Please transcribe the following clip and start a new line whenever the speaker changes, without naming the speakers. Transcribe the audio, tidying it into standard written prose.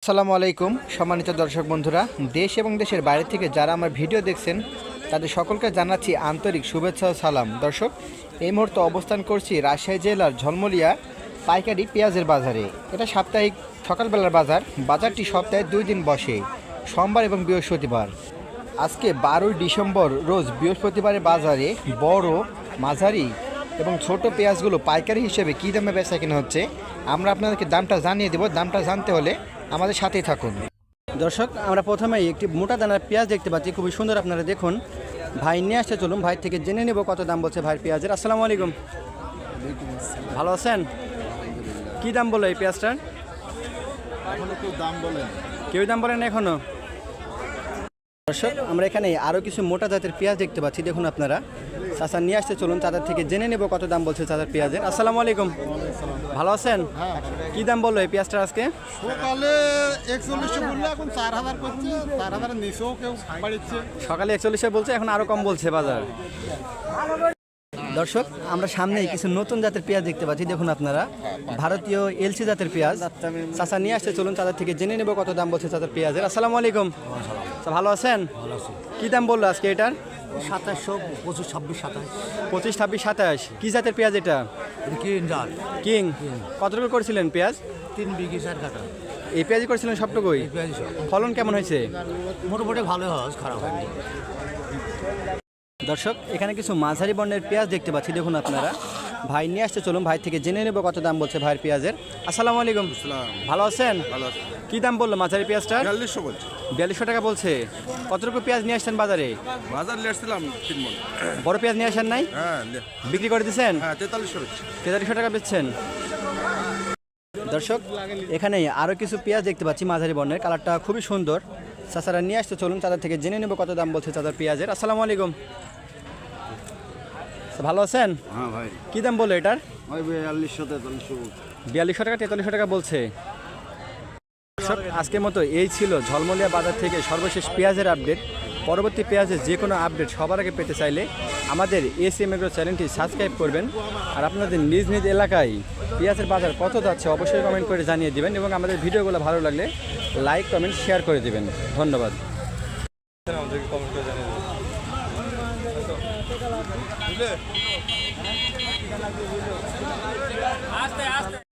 আসসালামু আলাইকুম সম্মানিত দর্শক বন্ধুরা, দেশ এবং দেশের বাইরে থেকে যারা আমার ভিডিও দেখছেন তাদের সকলকে জানাচ্ছি আন্তরিক শুভেচ্ছা ও সালাম। দর্শক, এই মুহূর্তে অবস্থান করছি রাজশাহী জেলার ঝলমলিয়া পাইকারি পেঁয়াজের বাজারে। এটা সাপ্তাহিক সকালবেলার বাজার। বাজারটি সপ্তাহে 2 দিন বসে, সোমবার এবং বৃহস্পতিবার। আজকে 12 ডিসেম্বর রোজ বৃহস্পতিবারের বাজারে বড়, মাঝারি এবং ছোট পেঁয়াজগুলো পাইকারি হিসেবে কী দামে বেচা কেনা হচ্ছে আমরা আপনাদেরকে দামটা জানিয়ে দেব। দামটা জানতে হলে আমাদের সাথেই থাকুন। দর্শক, আমরা প্রথমেই একটি মোটা দানার পেঁয়াজ দেখতে পাচ্ছি, খুবই সুন্দর। আপনারা দেখুন, ভাই নিয়ে আসতে চলুন, ভাই থেকে জেনে নেব কত দাম বলছে ভাইয়ের পেঁয়াজের। আসসালামু আলাইকুম, ভালো আছেন? কী দাম বলো এই পেঁয়াজটার? কেউ দাম বলেন এখনো? দর্শক, আমরা এখানে আরও কিছু মোটা জাতের পেঁয়াজ দেখতে পাচ্ছি। দেখুন আপনারা, চাচা নিয়ে আসতে চলুন, তাদের থেকে জেনে নেব কত দাম বলছে চাচার পেঁয়াজের। আসসালামু আলাইকুম, ভালো আছেন? কি দাম বললো এই পেঁয়াজটা আজকে?
সকালে 4100 বললো, এখন 4000 করছে, 4000 নিচেও কেউ বাড়িচ্ছে।
সকালে 41 বলছে, এখন আরও কম বলছে বাজার। দর্শক, আমরা সামনেই কিছু নতুন জাতের পেঁয়াজ দেখতে পাচ্ছি। দেখুন আপনারা, ভারতীয় এলসি জাতের পেঁয়াজ। চাচা নিয়ে আসতে চলুন, তাদের থেকে জেনে নেব কত দাম বলছে চাচার পেঁয়াজের। আসসালামু আলাইকুম, ভালো আছেন? কি দাম বললো আজকে এটার?
2700, 25, 26, 27।
25, 26, 27। কি জাতের পেঁয়াজ এটা? কিং। কতটুকু করেছিলেন পেঁয়াজ?
3 বিঘি 4 কাটা।
এই পেঁয়াজই করেছিলেন সবটুকুই? ফলন কেমন হয়েছে?
মোটামুটি ভালো হয়, খারাপ হয়নি।
দর্শক, এখানে কিছু মাঝারি বর্ণের পেঁয়াজ দেখতে পাচ্ছি। দেখুন আপনারা, ভাই নিয়ে আসতে চলুন, ভাই থেকে জেনে নেব কত দাম বলছে ভাইয়ের পেঁয়াজের। আসসালামু আলাইকুম, ভালো আছেন? কি দাম বললো মাঝারি পেঁয়াজটা?
4200 বলছে।
4200 টাকা বলছে। কতটুকু পেঁয়াজ নিয়ে আসছেন বাজারে?
বাজার নিয়ে আসছিলাম 3 মণ।
বড় পেঁয়াজ নিয়ে আসেন নাই?
হ্যাঁ,
বিক্রি করে দিচ্ছেন?
হ্যাঁ, 4300 হচ্ছে।
4300 টাকা বেচছেন। দর্শক, এখানে আরও কিছু পেঁয়াজ দেখতে পাচ্ছি মাঝারি বর্ণের, কালারটা খুবই সুন্দর। চাচারা নিয়ে আসতে চলুন, তাদের থেকে জেনে নেব কত দাম বলছে চাচার পেঁয়াজের। আসসালামু আলাইকুম, ভালো আছেন?
হ্যাঁ ভাই।
কি দাম বললো এটার?
ওই 4200, 4300।
4200 টাকা, 4300 টাকা বলছে। আজকের মতো এই ছিল ঝলমলিয়া বাজার থেকে সর্বশেষ পেঁয়াজের আপডেট। পরবর্তী পেঁয়াজের যে কোনো আপডেট সবার আগে পেতে চাইলে আমাদের এসএম এগ্রো চ্যানেলটি সাবস্ক্রাইব করবেন। আর আপনাদের নিজ নিজ এলাকায় পেঁয়াজের বাজার কত যাচ্ছে অবশ্যই কমেন্ট করে জানিয়ে দেবেন, এবং আমাদের ভিডিওগুলো ভালো লাগলে লাইক, কমেন্ট, শেয়ার করে দেবেন। ধন্যবাদ। আমাদেরকে কমেন্ট করে জানিয়ে দেবেন।